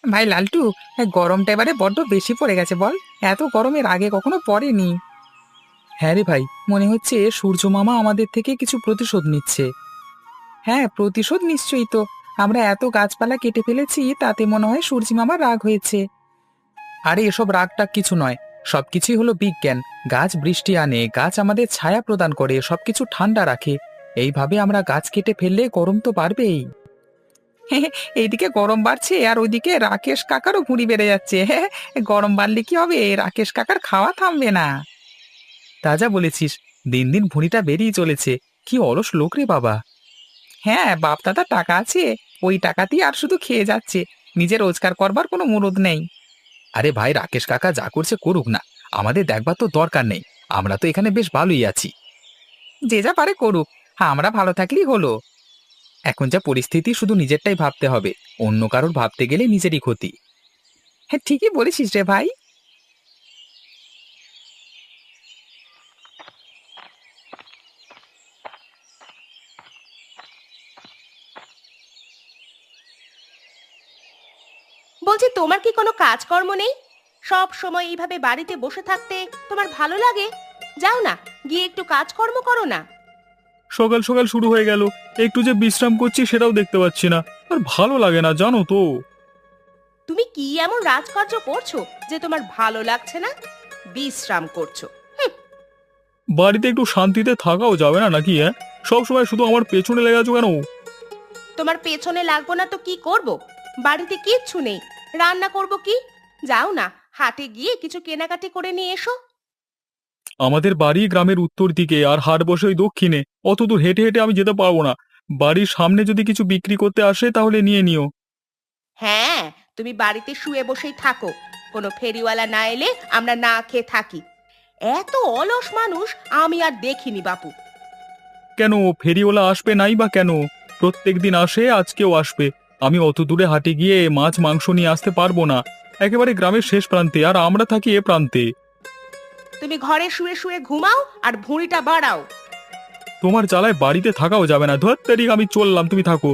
ভাই লালটু, গরমটা এবারে বড্ড বেশি পড়ে গেছে বল। এত গরমের আগে কখনো পড়েনি। হ্যাঁ রে ভাই, মনে হচ্ছে সূর্য মামা আমাদের থেকে কিছু প্রতিশোধ নিচ্ছে। হ্যাঁ, প্রতিশোধ নিশ্চয়ই তো। আমরা এত গাছপালা কেটে ফেলেছি, তাতে মনে হয় সূর্যি মামার রাগ হয়েছে। আরে এসব রাগটাগ কিছু নয়, সবকিছুই হলো বিজ্ঞান। গাছ বৃষ্টি আনে, গাছ আমাদের ছায়া প্রদান করে, সবকিছু ঠান্ডা রাখে। এইভাবে আমরা গাছ কেটে ফেললে গরম তো বাড়বেই। এইদিকে গরম বাড়ছে আর ওইদিকে রাকেশ কাকারও ভুঁড়ি বেড়ে যাচ্ছে। গরম বাড়লে কি হবে, রাকেশ কাকার খাওয়া থামবে না। তা যা বলেছিস, দিন দিন ভুঁড়িটা বেরিয়ে চলেছে। কি অলস লোক রে বাবা। হ্যাঁ, বাপ দাদা টাকা আছে, ওই টাকাতেই আর শুধু খেয়ে যাচ্ছে। নিজে রোজগার করবার কোনো মুরদ নেই। আরে ভাই, রাকেশ কাকা যা করছে করুক না, আমাদের দেখবার তো দরকার নেই। আমরা তো এখানে বেশ ভালোই আছি। যে যা পারে করুক, হ্যাঁ আমরা ভালো থাকলেই হলো। এখন যা পরিস্থিতি, শুধু নিজেরটাই ভাবতে হবে। অন্য কারোর ভাবতে গেলে নিজেরই ক্ষতি। হ্যাঁ, ঠিকই বলেছিস রে ভাই। বলছি, তোমার কি কোনো কাজকর্ম নেই? সব সময় এইভাবে বাড়িতে বসে থাকতে তোমার ভালো লাগে? যাও না, গিয়ে একটু কাজকর্ম করো না। সকাল সকাল শুরু হয়ে গেল, একটু যে বিশ্রাম করছি সেটাও দেখতে পাচ্ছি না। আর ভালো লাগে না জানো তো। তুমি কি এমন রাজকার্য করছো যে তোমার ভালো লাগছে না? বিশ্রাম করছো? বাড়িতে একটু শান্তিতে থাকাও যাবে না নাকি? হ্যাঁ, সব সময় শুধু আমার পেছনে লেগে আছো কেন? তোমার পেছনে লাগবো না তো কি করব? বাড়িতে কিচ্ছু নেই, রান্না করব কি? যাও না, হাটে গিয়ে কিছু কেনাকাটি করে নিয়ে এসো। আমাদের বাড়ি গ্রামের উত্তর দিকে, আর হাট বসে ওই দক্ষিণে। অত দূর হেঁটে হেঁটে আমি যেতে পারবো না। বাড়ির সামনে যদি কিছু বিক্রি করতে আসে তাহলে নিয়ে নিও। হ্যাঁ, তুমি বাড়িতে শুয়ে বসেই থাকো, কোনো ফেরিওয়ালা না এলে আমরা না খেয়ে থাকি। এত অলস মানুষ আমি আর দেখিনি বাপু। কেন, ফেরিওয়ালা আসবে নাই বা কেন? প্রত্যেক দিন আসে, আজকেও আসবে। আমি অত দূরে হাটে গিয়ে মাছ মাংস নিয়ে আসতে পারবো না। একেবারে গ্রামের শেষ প্রান্তে, আর আমরা থাকি এ প্রান্তে। তুমি ঘরে শুয়ে শুয়ে ঘুমাও আর ভুঁড়িটা বাড়াও। তোমার জ্বালায় বাড়িতে থাকাও যাবে না। ধর তারিখ, আমি চললাম, তুমি থাকো।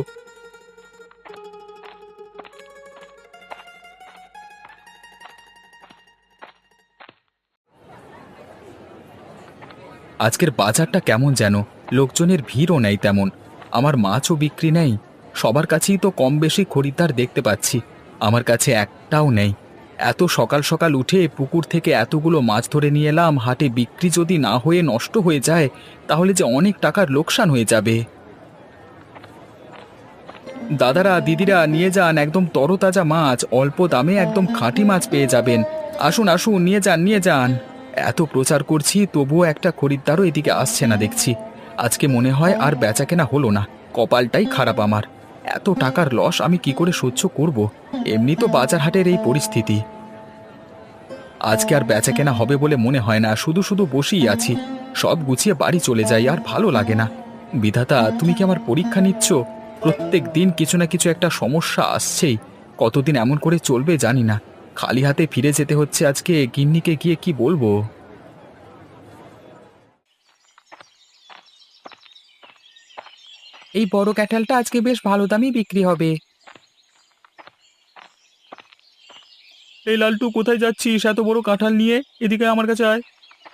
আজকের বাজারটা কেমন যেন, লোকজনের ভিড়ও নেই তেমন। আমার মাছও বিক্রি নেই। সবার কাছেই তো কম বেশি খরিদ্দার দেখতে পাচ্ছি, আমার কাছে একটাও নেই। এত সকাল সকাল উঠে পুকুর থেকে এতগুলো মাছ ধরে নিয়ে এলাম, হাটে বিক্রি যদি না হয়ে নষ্ট হয়ে যায় তাহলে যে অনেক টাকার লোকসান হয়ে যাবে। দাদারা দিদিরা, নিয়ে যান একদম তরতাজা মাছ, অল্প দামে একদম খাঁটি মাছ পেয়ে যাবেন। আসুন আসুন, নিয়ে যান নিয়ে যান। এত প্রচার করছি তবুও একটা খরিদ্দারও এদিকে আসছে না দেখছি। আজকে মনে হয় আর বেচাকেনা হলো না। কপালটাই খারাপ আমার। এত টাকার লস আমি কি করে সহ্য করব? এমনি তো বাজার হাটের এই পরিস্থিতি। আজকে আর বেচাকেনা হবে বলে মনে হয় না, শুধু শুধু বসেই আছি। সব গুছিয়ে বাড়ি চলে যাই, আর ভালো লাগে না। বিধাতা, তুমি কি আমার পরীক্ষা নিচ্ছ? প্রত্যেক দিন কিছু না কিছু একটা সমস্যা আসছেই। কতদিন এমন করে চলবে জানি না। খালি হাতে ফিরে যেতে হচ্ছে আজকে, গিন্নিকে গিয়ে কি বলবো? এই বড় ক্যাঠালটা আজকে বেশ ভালো দামই বিক্রি হবে। এই লালটু, কোথায় যাচ্ছিস এত বড় কাঁঠাল নিয়ে? এদিকে আমার কাছে আয়।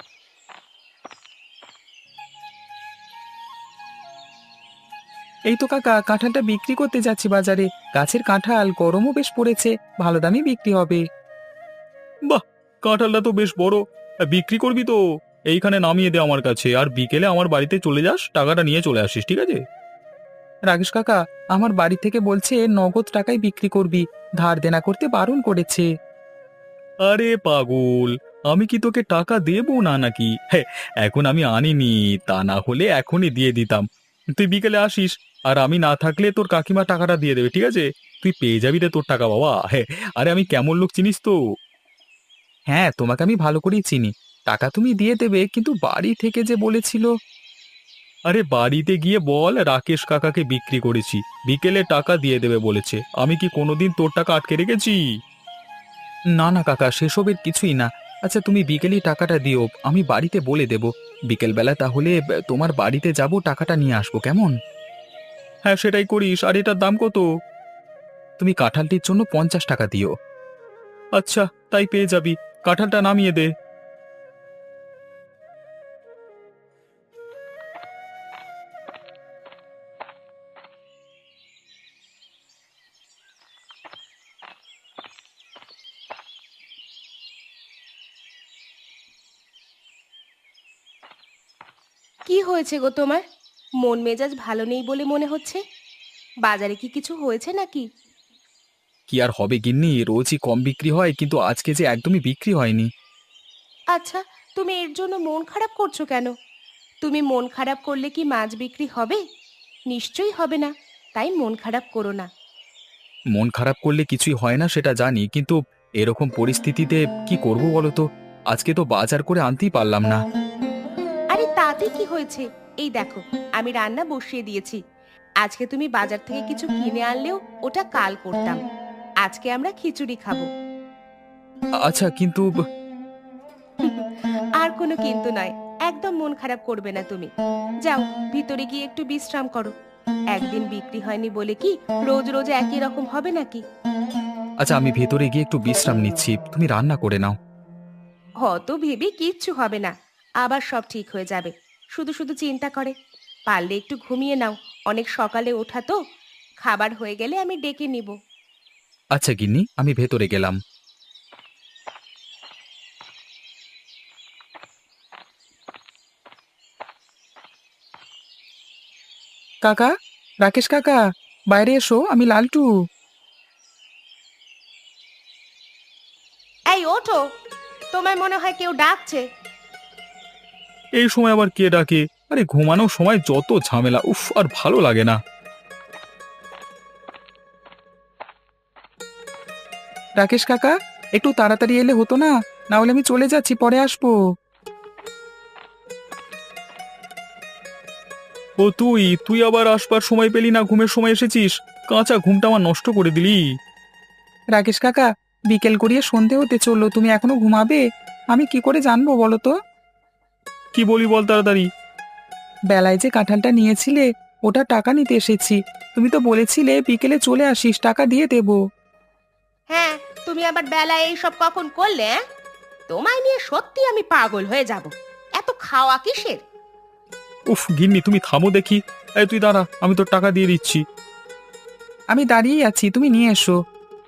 এই তো কাকা, কাঁঠালটা বিক্রি করতে যাচ্ছি বাজারে। গাছের কাঁঠাল, গরমও বেশ পড়েছে, ভালো দামই বিক্রি হবে। বাহ, কাঁঠালটা তো বেশ বড়। বিক্রি করবি তো? এইখানে নামিয়ে দে আমার কাছে, আর বিকেলে আমার বাড়িতে চলে যাস, টাকাটা নিয়ে চলে আসিস, ঠিক আছে? রাকেশ কাকা আমার বাড়ি থেকে বলছে নগদ টাকায় বিক্রি করবি, ধার দেনা করতে বারণ করেছে। আরে পাগল, আমি কি তোকে টাকা দেবো না নাকি? হ্যাঁ, এখন আমি আনিনি, তা না হলে এখনই দিয়ে দিতাম। তুই বিকেলে আসিস, আর আমি না থাকলে তোর কাকিমা টাকাটা দিয়ে দেবে, ঠিক আছে? তুই পেয়ে যাবি রে তোর টাকা, বাবা। হ্যাঁ, আরে আমি কেমন লোক চিনিস তো। হ্যাঁ, তোমাকে আমি ভালো করেই চিনি। টাকা তুমি দিয়ে দেবে, কিন্তু বাড়ি থেকে যে বলেছিল। আরে বাড়িতে গিয়ে বল রাকেশ কাকাকে বিক্রি করেছি, বিকেলে টাকা দিয়ে দেবে বলেছে। আমি কি কোনোদিন তোর টাকা আটকে রেখেছি? না না কাকা, সেসবের কিছুই না। আচ্ছা, তুমি বিকেলেই টাকাটা দিও, আমি বাড়িতে বলে দেব। বিকেলবেলা তাহলে তোমার বাড়িতে যাব, টাকাটা নিয়ে আসবো, কেমন? হ্যাঁ, সেটাই করিস। আর এটার দাম কত? তুমি কাঁঠালটির জন্য 50 টাকা দিও। আচ্ছা, তাই পেয়ে যাবি। কাঁঠালটা নামিয়ে দে। কি হয়েছে গো তোমার? মন মেজাজ ভালো নেই বলে মনে হচ্ছে। বাজারে কি কিছু হয়েছে নাকি? কি আর হবে গিন্নি, রোজই কম বিক্রি হয়, কিন্তু আজকে যে একদমই বিক্রি হয়নি। আচ্ছা, তুমি এর জন্য মন খারাপ করছো কেন? তুমি মন খারাপ করলে কি মাছ বিক্রি হবে? নিশ্চয়ই হবে না। তাই মন খারাপ করো না। মন খারাপ করলে কিছুই হয় না সেটা জানি, কিন্তু এরকম পরিস্থিতিতে কি করব বলো তো? আজকে তো বাজার করে আনতেই পারলাম না। আরে তাতে কি হয়েছে? এই দেখো, আমি রান্না বসিয়ে দিয়েছি। আজকে তুমি বাজার থেকে কিছু কিনে আনলেও ওটা কাল করতাম। আজকে আমরা খিচুড়ি খাবো। আচ্ছা, কিন্তু আর কোনো কিন্তু নয়। একদম মন খারাপ করবে না তুমি। যাও, ভিতরে গিয়ে একটু বিশ্রাম করো। একদিন বিক্রি হয়নি বলে কি রোজ রোজ একই রকম হবে নাকি? আচ্ছা, আমি ভেতরে গিয়ে একটু বিশ্রাম নিচ্ছি, তুমি রান্না করে নাও। হত ভেবে কিচ্ছু হবে না। আবার সব ঠিক হয়ে যাবে। শুধু শুধু চিন্তা করে। পারলে একটু ঘুমিয়ে নাও। অনেক সকালে ওঠা তো। খাবার হয়ে গেলে আমি ডেকে নিব। আচ্ছা গিন্নি, আমি ভেতরে গেলাম। কাকা, রাকেশ কাকা, বাইরে এসো, আমি লালটু। এই ওঠো, তোমায় মনে হয় কেউ ডাকছে। এই সময় আবার কে ডাকে? আরে ঘুমানোর সময় যত ঝামেলা, উফ, আর ভালো লাগে না। রাকেশ কাকা, একটু তাড়াতাড়ি এলে হতো না? না হলে আমি চলে যাচ্ছি, পরে আসবো। ও তুই তুই আবার আসবার সময় পেলি না, ঘুমের সময় এসেছিস। কাঁচা ঘুমটা আমার নষ্ট করে দিলি। রাকেশ কাকা, বিকেল গড়িয়ে সন্ধে হতে চললো, তুমি এখনো ঘুমাবে? আমি কি করে জানবো বলো তো? কি বলি বল তাড়াতাড়ি। বেলায় যে কাঁঠালটা নিয়েছিলে, ওটা টাকা নিতে এসেছি। তুমি তো বলেছিলে বিকেলে চলে আসিস, টাকা দিয়ে দেব। হ্যাঁ, তুমি আবার বেলায় এইসব কখন করলে? তোমায় নিয়ে সত্যি আমি পাগল হয়ে যাব। এত খাওয়া কিসের? উফ গিন্নি, তুমি থামো দেখি। এই তুই দাঁড়া, আমি তোর টাকা দিয়ে দিচ্ছি। আমি দাঁড়িয়েই আছি, তুমি নিয়ে এসো।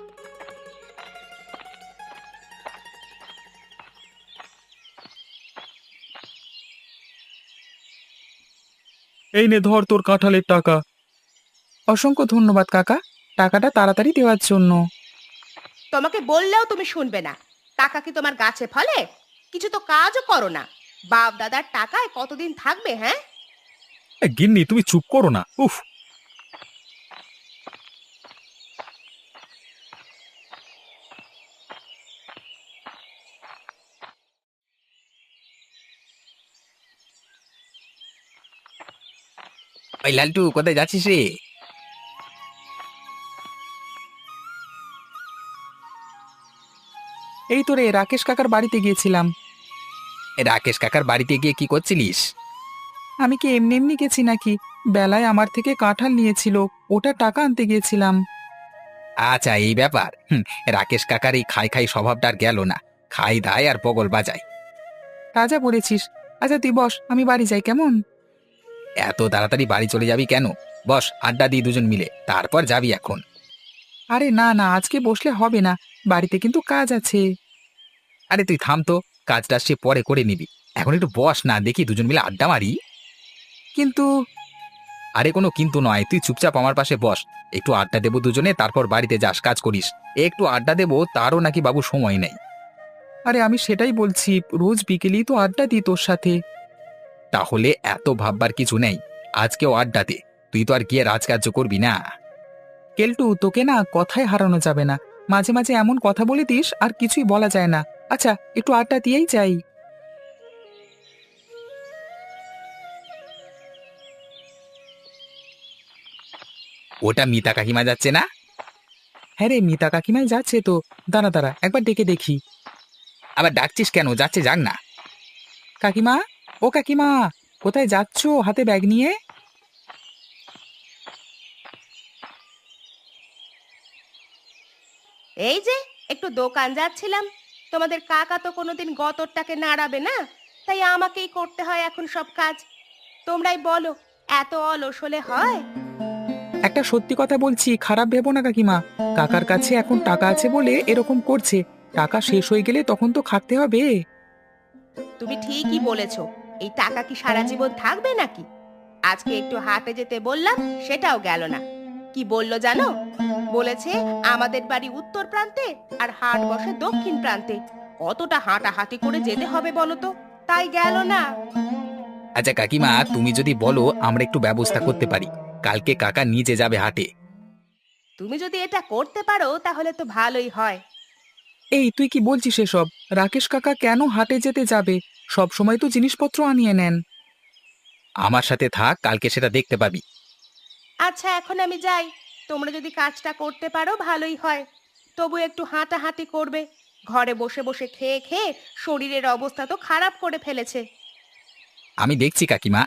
এই নে ধর তোর কাঁঠালের টাকা। অসংখ্য ধন্যবাদ কাকা, টাকাটা তাড়াতাড়ি দেওয়ার জন্য। তোমাকে বললেও তুমি শুনবে না। টাকা কি তোমার গাছে ফলে? কিছু তো কাজও করো না। বাপ দাদার টাকায় কতদিন থাকবে? হ্যাঁ, গিন্নি তুমি চুপ করো না, উফ। ওই লালটু, কোথায় যাচ্ছিস রে? এই তো রে, রাকেশ কাকার বাড়িতে গিয়েছিলাম। রাকেশ কাকার বাড়িতে গিয়ে কি করছিলিস? আমি কি এমনি এমনি গেছি নাকি? বেলায় আমার থেকে কাঁঠাল নিয়েছিল, ওটা টাকা আনতে গিয়েছিলাম। আচ্ছা, এই ব্যাপার। রাকেশ কাকার এই খাই খাই স্বভাবটা আর গেল না। খাই দায় আর বগল বাজায়। রাজা বলেছিস। আচ্ছা তুই বস, আমি বাড়ি যাই কেমন? এত তাড়াতাড়ি বাড়ি চলে যাবি কেন? বস, আড্ডা দিই দুজন মিলে, তারপর যাবি এখন। আরে না না, আজকে বসলে হবে না, বাড়িতে কিন্তু কাজ আছে। আরে তুই থাম তো, কাজটা সে পরে করে নিবি। এখন একটু বস না, দেখি দুজন মিলে আড্ডা মারি। কিন্তু আরে কোনো কিন্তু নয়, তুই চুপচাপ আমার পাশে বস। একটু আড্ডা দেবো দুজনে, তারপর বাড়িতে যাস, কাজ করিস। একটু আড্ডা দেবো, তারও নাকি বাবু সময় নেই। আরে আমি সেটাই বলছি, রোজ বিকেলেই তো আড্ডা দিই তোর সাথে। তাহলে এত ভাববার কিছু নেই। আজকেও আড্ডা দে। তুই তো আর গিয়ে রাজকার্য করবি না। কেলটু, তোকে না কথায় হারানো যাবে না। মাঝে মাঝে এমন কথা বলে দিস আর কিছুই বলা যায় না। আচ্ছা, একটু আড্ডা দিয়েই যাই। ওটা মিতা কাকিমা যাচ্ছে না? হ্যাঁ রে, মিতা কাকিমাই যাচ্ছে তো। দাঁড়া দাঁড়া, একবার ডেকে দেখি। আবার ডাকছিস কেন? যাচ্ছে, যাক না। কাকিমা, ও কাকিমা, কোথায় যাচ্ছো হাতে ব্যাগ নিয়ে? এই যে একটু দোকান যাচ্ছিলাম, তোমাদের কাকা তো কোনোদিন গতরটাকে নাড়াবে না, তাই আমাকেই করতে হয় এখন সব কাজ। তোমরাই বলো, এত অলস হলে হয়? একটা সত্যি কথা বলছি, খারাপ ভেবো না কাকিমা। কাকার কাছে এখন টাকা আছে বলে এরকম করছে। টাকা শেষ হয়ে গেলে তখন তো খাটতে হবে। তুমি ঠিকই বলেছো, এই টাকা কি সারা জীবন থাকবে নাকি? আজকে একটু হাটে যেতে বললাম, সেটাও গেল না। কি বললো জানো? বলেছে আমাদের বাড়ি উত্তর প্রান্তে আর হাট বসে দক্ষিণ প্রান্তে। কতটা হাঁটাহাঁটি করে যেতে হবে বলো তো, তাই গেল না। আচ্ছা কাকিমা, তুমি যদি বলো আমরা একটু ব্যবস্থা করতে পারি, কালকে কাকা নিজে যাবে হাটে। তুমি যদি এটা করতে পারো তাহলে তো ভালোই হয়। এই তুই কি বলছিস এসব? রাকেশ কাকা কেন হাটে যেতে যাবে? সব সময় তো জিনিসপত্র আনিয়ে নেন। আমার সাথে থাক, কালকে সেটা দেখতে পাবি। আচ্ছা এখন আমি যাই, তোমরা যদি কাজটা করতে পারো ভালোই হয়। তবু একটু হাঁটাহাঁটি করবে, ঘরে বসে বসে খেয়ে খেয়ে শরীরের অবস্থা তো খারাপ করে ফেলেছে। আমি দেখছি কাকিমা।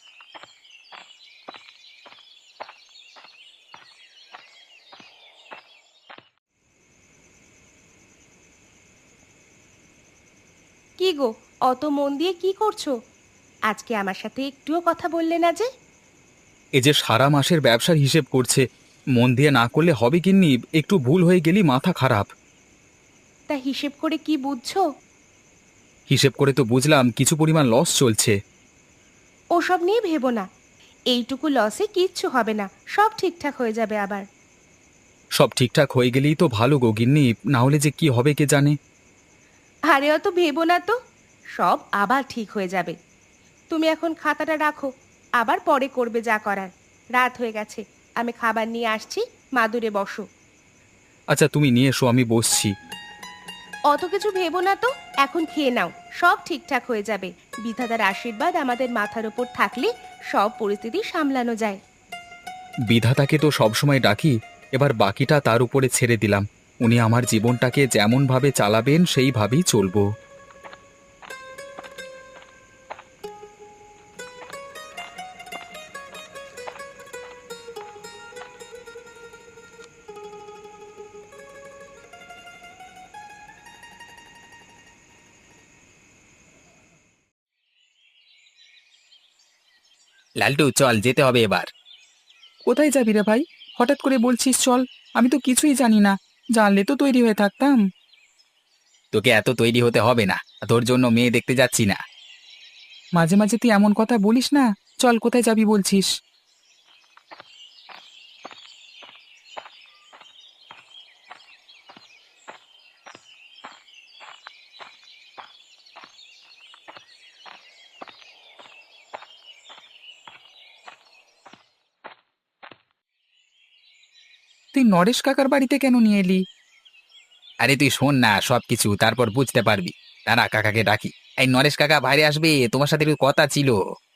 কি গো, অত মন দিয়ে কি করছো? আজকে আমার সাথে একটুও কথা বললে না যে? এই যে সারা মাসের ব্যবসার হিসেব করছে, মন দিয়ে না করলে হবে কিন্নি, একটু ভুল হয়ে গেলেই মাথা খারাপ। তা হিসেব করে কি বুঝছো? হিসেব করে তো বুঝলাম কিছু পরিমাণ লস চলছে। ওসব নিয়ে ভেবো না, এইটুকু লসে কিচ্ছু হবে না, সব ঠিকঠাক হয়ে যাবে আবার। সব ঠিকঠাক হয়ে গেলেই তো ভালো গো গিন্নি, না হলে যে কি হবে কে জানে। আরে অত ভেবো না তো, সব আবার ঠিক হয়ে যাবে। তুমি এখন খাতাটা রাখো, আবার পরে করবে যা করার। রাত হয়ে গেছে, আমি খাবার নিয়ে আসছি, মাদুরে বসো। আচ্ছা তুমি নিয়ে এসো, আমি বসছি। অত কিছু ভেবো না তো, এখন খেয়ে নাও, সব ঠিকঠাক হয়ে যাবে। বিধাতার আশীর্বাদ আমাদের মাথার উপর থাকলে সব পরিস্থিতি সামলানো যায়। বিধাতাকে তো সবসময় ডাকি, এবার বাকিটা তার উপরে ছেড়ে দিলাম। উনি আমার জীবনটাকে যেমনভাবে চালাবেন সেইভাবেই চলবো। লালটু চল, যেতে হবে এবার। কোথায় যাবি রে ভাই? হঠাৎ করে বলছিস চল। আমি তো কিছুই জানি না। জানলে তো তৈরি হয়ে থাকতাম। তোকে এত তৈরি হতে হবে না, তোর জন্য মেয়ে দেখতে যাচ্ছি না। মাঝে মাঝে তুই এমন কথা বলিস না। চল, কোথায় যাবি বলছিস? তুই নরেশ কাকার বাড়িতে কেন নিয়ে এলি? আরে তুই শোন না সব কিছু, তারপর বুঝতে পারবি। দাঁড়া, কাকাকে ডাকি। এই নরেশ কাকা, বাইরে আসবে, তোমার সাথে একটু কথা ছিল।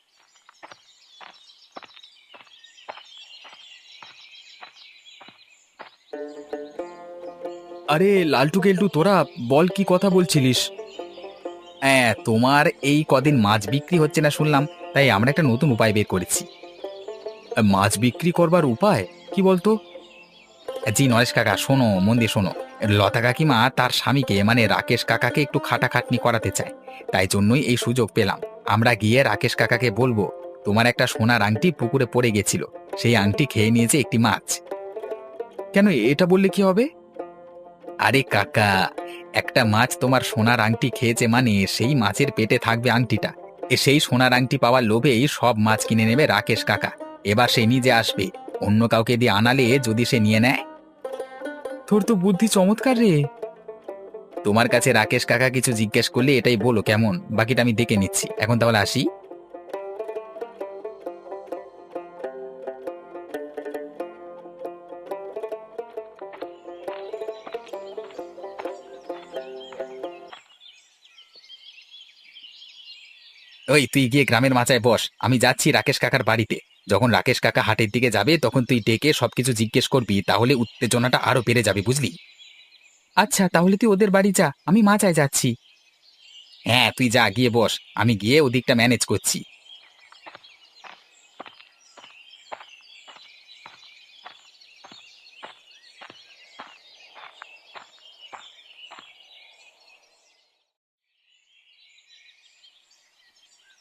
আরে লালটু কেলটু, তোরা বল, কি কথা বলছিলিস? হ্যাঁ, তোমার এই কদিন মাছ বিক্রি হচ্ছে না শুনলাম, তাই আমরা একটা নতুন উপায় বের করেছি। মাছ বিক্রি করবার উপায় কি বলতো? জি নরেশ কাকা, শোনো, মন দিয়ে শোনো। লতা কাকিমা তার স্বামীকে মানে রাকেশ কাকাকে একটু খাটাখাটনি করাতে চায়, তাই জন্যই এই সুযোগ পেলাম। আমরা গিয়ে রাকেশ কাকাকে বলবো তোমার একটা সোনার আংটি পুকুরে পড়ে গেছিল, সেই আংটি খেয়ে নিয়েছে একটি মাছ। কেন, এটা বললে কি হবে? আরে কাকা, একটা মাছ তোমার সোনার আংটি খেয়েছে মানে সেই মাছের পেটে থাকবে আংটিটা। সেই সোনার আংটি পাওয়ার লোভেই সব মাছ কিনে নেবে রাকেশ কাকা। এবার সে নিজে আসবে, অন্য কাউকে দিয়ে আনালে যদি সে নিয়ে নেয়। তোর তো বুদ্ধি চমৎকার রে। তোমার কাছে রাকেশ কাকা কিছু জিজ্ঞেস করলে এটাই বলো, কেমন? বাকিটা আমি দেখে নিচ্ছি, এখন তাহলে আসি। ওই তুই গিয়ে গ্রামের মাচায় বস, আমি যাচ্ছি রাকেশ কাকার বাড়িতে। যখন রাকেশ কাকা হাটের দিকে যাবে তখন তুই ডেকে সবকিছু জিজ্ঞেস করবি, তাহলে উত্তেজনাটা আরো বেড়ে যাবে, বুঝলি? আচ্ছা, তাহলে তুই ওদের বাড়ি যা, আমি মাচায় যাচ্ছি। হ্যাঁ তুই যা, গিয়ে বস, আমি গিয়ে ওদিকটা ম্যানেজ করছি।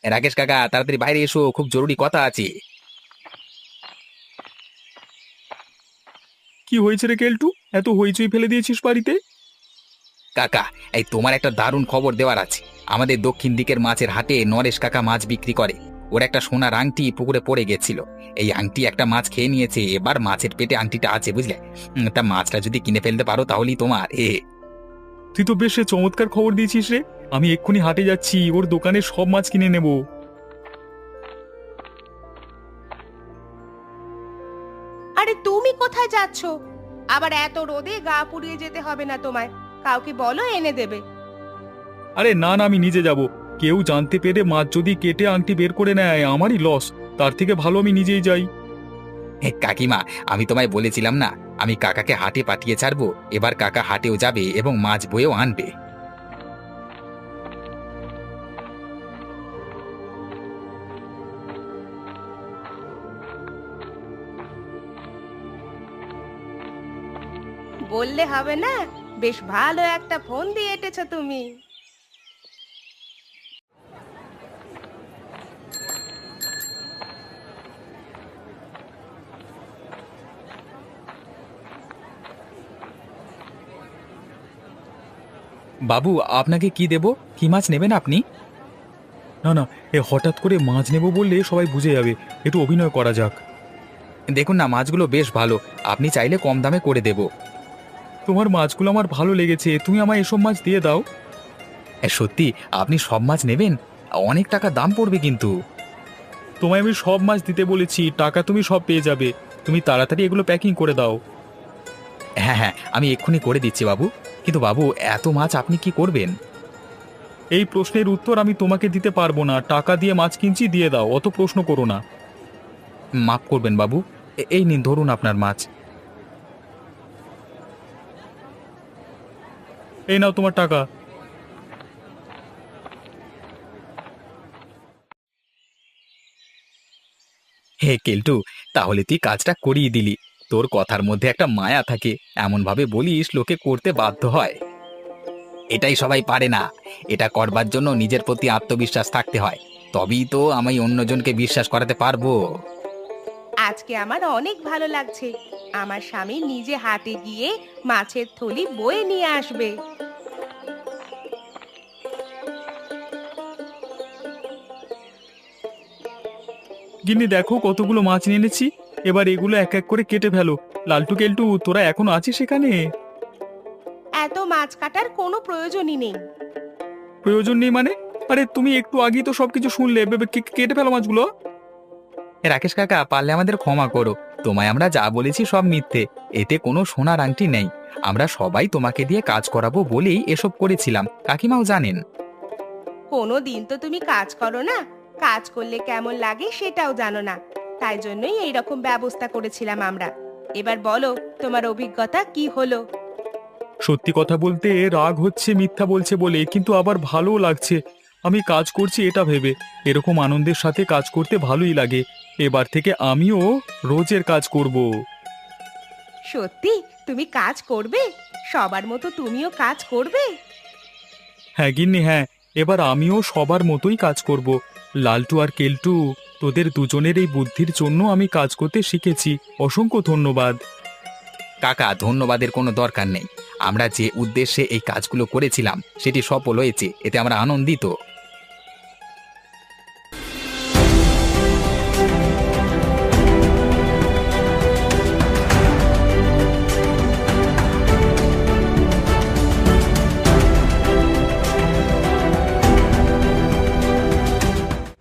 রাকেশ কাকা, তাড়াতাড়ি বাইরে এসো, খুব জরুরি কথা আছে। কি হয়েছে রে কেলটু, এত হইচই ফেলে দিয়েছিস বাড়িতে? কাকা, এই তোমার একটা দারুণ খবর দেওয়ার আছে। আমাদের দক্ষিণ দিকের মাছের হাটে নরেশ কাকা মাছ বিক্রি করে। ওর একটা সোনার আংটি পুকুরে পড়ে গেছিল। এই আংটি একটা মাছ খেয়ে নিয়েছে, এবার মাছের পেটে আংটিটা আছে, বুঝলে? তা মাছটা যদি কিনে ফেলতে পারো তাহলেই তোমার। তুই তো বেশ চমৎকার খবর দিয়েছিস রে। আমি এক্ষুনি হাটে যাচ্ছি, ওর দোকানে সব মাছ কিনে নেব। আরে তুমি কোথায় যাচ্ছো? আবার এত রোদে গা পুড়িয়ে যেতে হবে না তোমায়, কাউকে বলো এনে দেবে। আরে না না, আমি নিজে যাব। কেউ জানতে পেরে মাছ যদি কেটে আংটি বের করে নেয় আমারই লস। তার থেকে ভালো আমি নিজেই যাই। কাকিমা, আমি তোমায় বলেছিলাম না, আমি কাকাকে হাটে পাঠিয়ে ছাড়বো। এবার কাকা হাটেও যাবে এবং মাছ বয়েও আনবে। বললে হবে না, বেশ ভালো একটা ফোন দিয়ে এঁটেছো তুমি। বাবু, আপনাকে কি দেব? কি মাছ নেবেন আপনি? না না, হঠাৎ করে মাছ নেব বললে সবাই বুঝে যাবে। একটু অভিনয় করা যাক। দেখুন না, মাছগুলো বেশ ভালো, আপনি চাইলে কম দামে করে দেব। তোমার মাছগুলো আমার ভালো লেগেছে, তুমি আমায় এসব মাছ দিয়ে দাও। সত্যি আপনি সব মাছ নেবেন? অনেক টাকা দাম পড়বে কিন্তু। তোমায় আমি সব মাছ দিতে বলেছি, টাকা তুমি সব পেয়ে যাবে। তুমি তাড়াতাড়ি এগুলো প্যাকিং করে দাও। হ্যাঁ হ্যাঁ, আমি এক্ষুনি করে দিচ্ছি বাবু। কিন্তু বাবু, এত মাছ আপনি কি করবেন? এই প্রশ্নের উত্তর আমি তোমাকে দিতে পারবো না। টাকা দিয়ে মাছ কিনছি, দিয়ে দাও, অত প্রশ্ন করো না। মাফ করবেন বাবু, এই নিন ধরুন আপনার মাছ। এই নাও তোমার টাকা। হে কেলটু, তাহলে তুই কাজটা করিয়ে দিলি। তোর কথার মধ্যে একটা মায়া থাকে, এমন ভাবে বলিস লোকে করতে বাধ্য হয়। এটাই সবাই পারে না। এটা করবার জন্য নিজের প্রতি আত্মবিশ্বাস থাকতে হয়, তবেই তো আমি অন্যজনকে বিশ্বাস করাতে পারবো। আজকে আমার অনেক ভালো লাগছে। আমার স্বামী নিজে হাটে গিয়ে মাছের থলি বয়ে নিয়ে আসবে। গিন্নি দেখো কতগুলো মাছ নিয়ে এনেছি। এবার এগুলো এক এক করে কেটে ফেলো। লালটু কেলটু, তোরা এখনো আছিস সেখানে? এত মাছ কাটার কোনো প্রয়োজনই নেই। প্রয়োজন নেই মানে? আরে তুমি একটু আগেই তো সবকিছু শুনলে। কেটে ফেলো মাছগুলো। রাকেশ কাকা, পারলে আমাদের ক্ষমা করো। তোমায় আমরা যা বলেছি সব মিথ্যে, এতে কোনো সোনার আংটি নেই। আমরা সবাই তোমাকে দিয়ে কাজ করাবো বলেই এসব করেছিলাম, কাকিমাও জানেন। কোনো দিন তো তুমি কাজ করো না, কাজ করলে কেমন লাগে সেটাও জানো না। তাই জন্যই এইরকম ব্যবস্থা করেছিলাম আমরা। এবার বলো, তোমার অভিজ্ঞতা কি হলো? সত্যি কথা বলতে রাগ হচ্ছে মিথ্যা বলছে বলে, কিন্তু আবার ভালোও লাগছে। আমি কাজ করছি এটা ভেবে। এরকম আনন্দের সাথে কাজ করতে ভালোই লাগে। এবার থেকে আমিও রোজের কাজ করব। সত্যি তুমি কাজ করবে? সবার মতো তুমিও কাজ করবে? হ্যাঁ গিন্নি, হ্যাঁ। এবার আমিও সবার মতোই কাজ করব। লালটু আর কেলটু, তোদের দুজনের এই বুদ্ধির জন্য আমি কাজ করতে শিখেছি। অসংখ্য ধন্যবাদ। কাকা, ধন্যবাদের কোনো দরকার নেই। আমরা যে উদ্দেশ্যে এই কাজগুলো করেছিলাম সেটি সফল হয়েছে, এতে আমরা আনন্দিত।